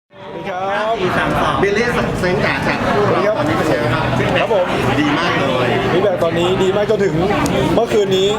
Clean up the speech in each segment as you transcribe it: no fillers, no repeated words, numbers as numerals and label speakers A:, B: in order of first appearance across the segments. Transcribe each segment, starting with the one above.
A: ครับ
B: บิลลี่เซนจากคู่เราตอนนี้เป็นยังไงครับ
A: ครับผม
B: ดีมากเลย
A: ฟีดแบ็กตอนนี้ดีมากจนถึงเมื่อคืนนี้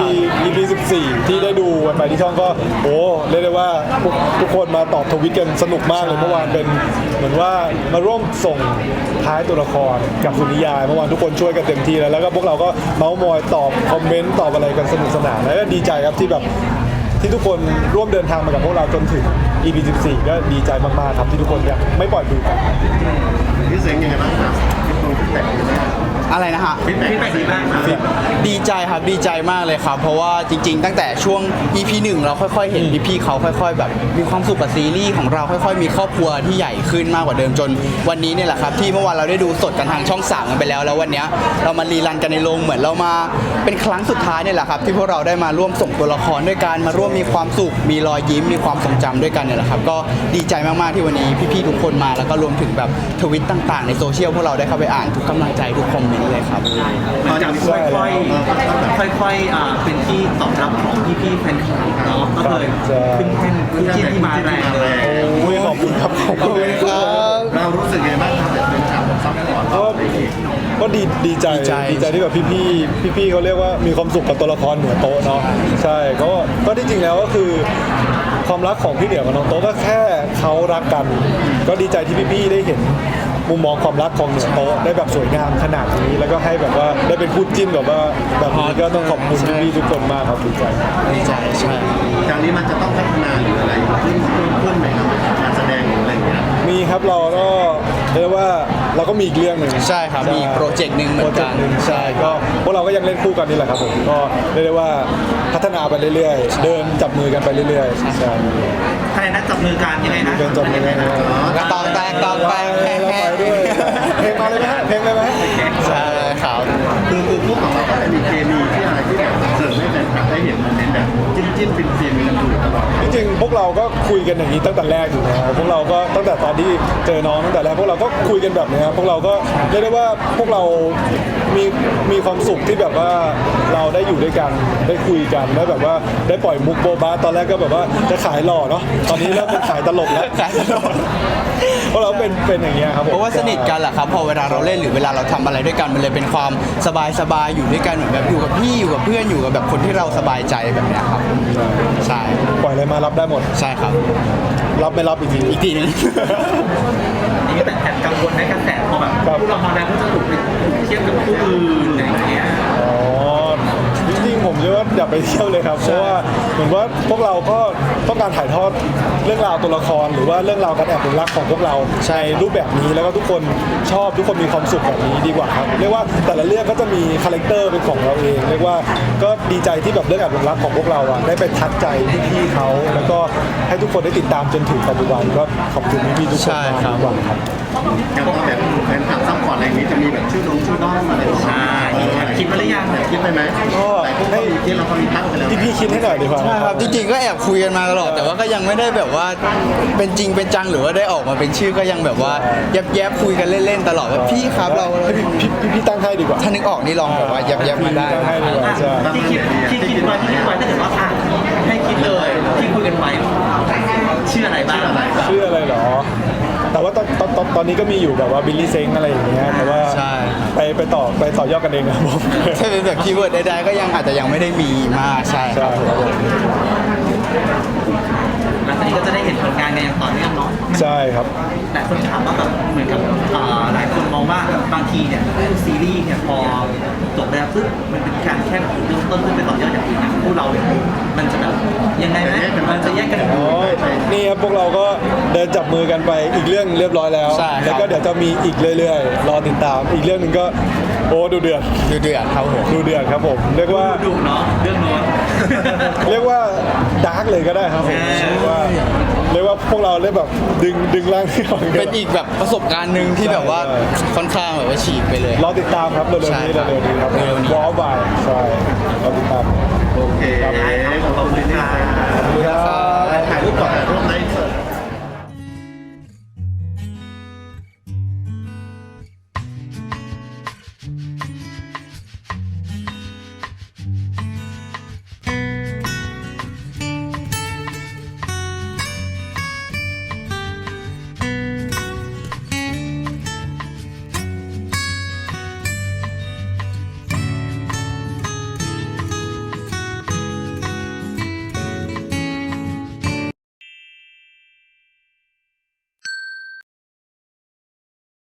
A: EP 14 ที่ได้ดูกันไปที่ช่องก็โอ้เรียกได้ว่าทุกคนมาตอบทวิตกันสนุกมากเลยเมื่อวานเป็นเหมือนว่ามาร่วมส่งท้ายตัวละครกับสุนิยายเมื่อวานทุกคนช่วยกันเต็มที่แล้วก็พวกเราก็เมาส์มอยตอบคอมเมนต์ตอบอะไรกันสนุกสนานแล้วก็ดีใจครับที่แบบที่ทุกคนร่วมเดินทางมากับพวกเราจนถึง EP 14 ก็ดีใจมากๆครับที่ทุกคนยังไม่ปล่อยมือกัน
B: พี่เซนยังไงบ้างครับพี่ตรงพี่แต่
C: อะไรนะฮะ
B: พี่แต่ดีมาก
C: ดีใจครับดีใจมากเลยครับเพราะว่าจริงๆตั้งแต่ช่วง EP 1เราค่อยๆเห็นพี่ๆเขาค่อยๆแบบมีความสุขกับซีรีส์ของเราค่อยๆมีครอบครัวที่ใหญ่ขึ้นมากกว่าเดิมจนวันนี้เนี่ยแหละครับที่เมื่อวานเราได้ดูสดกันทางช่อง3กันไปแล้ววันนี้เรามารีรันกันในโรงเหมือนเรามาเป็นครั้งสุดท้ายเนี่ยแหละครับที่พวกเราได้มาร่วมส่งตัวละครด้วยกันมาร่วมมีความสุขมีรอยยิ้มมีความทรงจำด้วยกันเนี่ยแหละครับก็ดีใจมากๆที่วันนี้พี่ๆทุกคนมาแล้วก็รวมถึงแบบทวิตต่างๆในโซเชียลพวกเราได้เข้าไปอ่านทุกกำลังใจทุกคอมเมนต์เลยครับ
D: มันจะค่อยๆเป็นที่ตอบรับของพี่ๆแฟนคลับเนาะก็เลยขึ้นแท่นขึ้นที่มาแรงเลย
A: โอ้ยขอบคุณครับขอบคุณครับ
B: เรารู้สึกยังไงบ้างครับแบบเป็นฉากซับซ้อน
A: ก็ดีใจที่แบบพี่เขาเรียกว่ามีความสุขกับตัวละครเหนือโต๊ะเนาะใช่ก็ที่จริงแล้วก็คือความรักของพี่เหนือกับน้องโต๊ะก็แค่เขารักกันก็ดีใจที่พี่ได้เห็นมุมมองความรักของเหนือโต๊ะได้แบบสวยงามขนาดนี้แล้วก็ให้แบบว่าได้เป็นคู่จิ้นแบบว่าแบบนี้ก็ต้องขอบคุณพี่ทุกคนมากครับดีใจ
C: ใช่
B: จากนี้มันจะต้องพัฒนาหรืออะไรขึ้นไหมครับการแสดงหรืออะไรอย่างเงี้ย
A: มีครับเราก็เรียกว่าเราก็มีอีกเรื่องหนึ่ง
C: ใช่ครับมีโปรเจกต์หนึ่งเหมือนกัน
A: ใช่ก็พวกเราก็ยังเล่นคู่กันนี่แหละครับผมก็เรียกได้ว่าพัฒนาไปเรื่อยๆเดินจับมือกันไปเรื่อยๆใช่
D: ใครนะจับมือกันยังไงนะ
A: เดินจับมือกัน
C: กระตองแตก
A: เพลงมาเลยไหมเพลงเลยไหม
C: ใช่ครับ
B: คือคู่ของเราก็จะมีเคมีที่อะไรที่แบบเสริมให้แฟนคลับได้เห็นโมเมนต์แบบจิ้นฟินกันอยู่ตลอด
A: จริงๆพวกเราก็คุยกันอย่างนี้ตั้งแต่แรกอยู่แล้วพวกเราก็ตั้งแต่ตอนที่เจอน้องตั้งแต่แรกพวกเราก็คุยกันแบบนี้พวกเราก็เรียกได้ว่าพวกเรามีความสุขที่แบบว่าเราได้อยู่ด้วยกันได้คุยกันได้แบบว่าได้ปล่อยมุกโบบาตอนแรกก็แบบว่าจะขายหล่อเนาะตอนนี้เริ่มเป็นขายตลกแล้ว
C: ขายตลก
A: เพราะเราเป็นอย่างเงี้ยครับ
C: เพราะว่าสนิทกันแหละครับพอเวลาเราเล่นหรือเวลาเราทำอะไรด้วยกันมันเลยเป็นความสบายอยู่ด้วยกันเหมือนแบบอยู่กับพี่อยู่กับเพื่อนอยู่กับแบบคนที่เราสบายใจแบบเนี้ยครับใช่
A: ปล่อยอะไรมารับได้หมด
C: ใช่ครับ
A: รับไม่รับอีกทีนึง
D: นี่แต่แอบกังวลในกระแสพอแบบผู้เรามาแล้วก็จะถูกเทียบกับผู้อื่นอะไรอย่างเงี้ย
A: จริงๆผมคิดว่าอย่าไปเที่ยวเลยครับเพราะว่าเหมือนว่าพวกเราก็ต้องการถ่ายทอดเรื่องราวตัวละครหรือว่าเรื่องราวการแอบรักของพวกเราในรูปแบบนี้แล้วก็ทุกคนชอบทุกคนมีความสุขแบบนี้ดีกว่าครับเรียกว่าแต่ละเรื่องก็จะมีคาแรคเตอร์เป็นของเราเองเรียกว่าก็ดีใจที่แบบเรื่องแอบรักของพวกเราอ่ะได้ไปทัดใจพี่ๆเขาแล้วก็ให้ทุกคนได้ติดตามจนถึงปัจจุบันก็ขอบคุณพี่ๆทุกคนมากครับ
B: อย่างว่าแบบแฟนคลับซัพพอร์ตอะไรอย่างนี้จะมีแบบชื่อน้องอะไร
D: ใช่คิดมาหรือยัง
B: คิดไปไหม
A: ก็
B: ให้ที่เรามีตั้งไปแล้ว
A: พี่คิดให้หน่อยดีกว่า
C: ใช่ครับจริงๆก็แอบคุยกันมาตลอดแต่ว่าก็ยังไม่ได้แบบว่าเป็นจริงเป็นจังหรือว่าได้ออกมาเป็นชื่อก็ยังแบบว่าแยบคุยกันเล่นๆตลอดว่าพี่ครับเรา
A: พี่ตั้งให้ดีกว่า
C: ถ้านึกออกนี่ลองแบบว่าแยบมาได้
D: ที่คิดไว้ถ้าเกิดว่าให้คิดเลยที่คุยกันไว้ชื่ออะไรบ้าง
A: ชื่ออะไรหรอแต่ว่าตอนนี้ก็มีอยู่แบบว่าบิลลี่เซ้งอะไรอย่างเงี้ยแต่ว่าไปต่อยอดกันเองครับผม
C: ถ้าเป็นแบบคีย์เวิร์ดใดๆก็ยังอาจจะยังไม่ได้มีมากใช่ครับ
D: หลังจากนี้ก็จะได้เห็นผลงานกันอย่างต่อเนื่องเนาะ
A: ใช่ครับ
D: แต่คนถามว่าแบบเหมือนกับหลายคนมองว่าบางทีเนี่ยซีรีส์เนี่ยพอจบแล้วปุ๊บมันเป็นการแค่เริ่มต้นขึ้นไปต่อยอดอย่างอื่นนะพวกเราเนี่ยมันจะแบบยังไงไหมมันจะแยกกัน
A: นี่ครับพวกเราก็เดินจับมือกันไปอีกเรื่องเรียบร้อยแล้วแล้วก็เดี๋ยวจะมีอีกเรื่อยๆรอติดตามอีกเรื่องหนึ่งก็โอ้ดูเดือด
C: ครับผม
A: ดูเดือดครับผมเรียกว่า
D: ดุเนาะเรื่องโน้น
A: เรียกว่าดาร์กเลยก็ได้ครับผมเรียกว่าพวกเราเรียกแบบดึงร่างที่
C: เป็นอีกแบบประสบการณ์หนึ่งที่แบบว่าค่อนข้างแบบว่าฉีกไปเลย
A: รอติดตามครับเร็วๆนี้ครับวอลบายใช่รอติดตาม
B: โอเคขอบคุณครับถ่ายรูปก่อนถ่ายรูปใน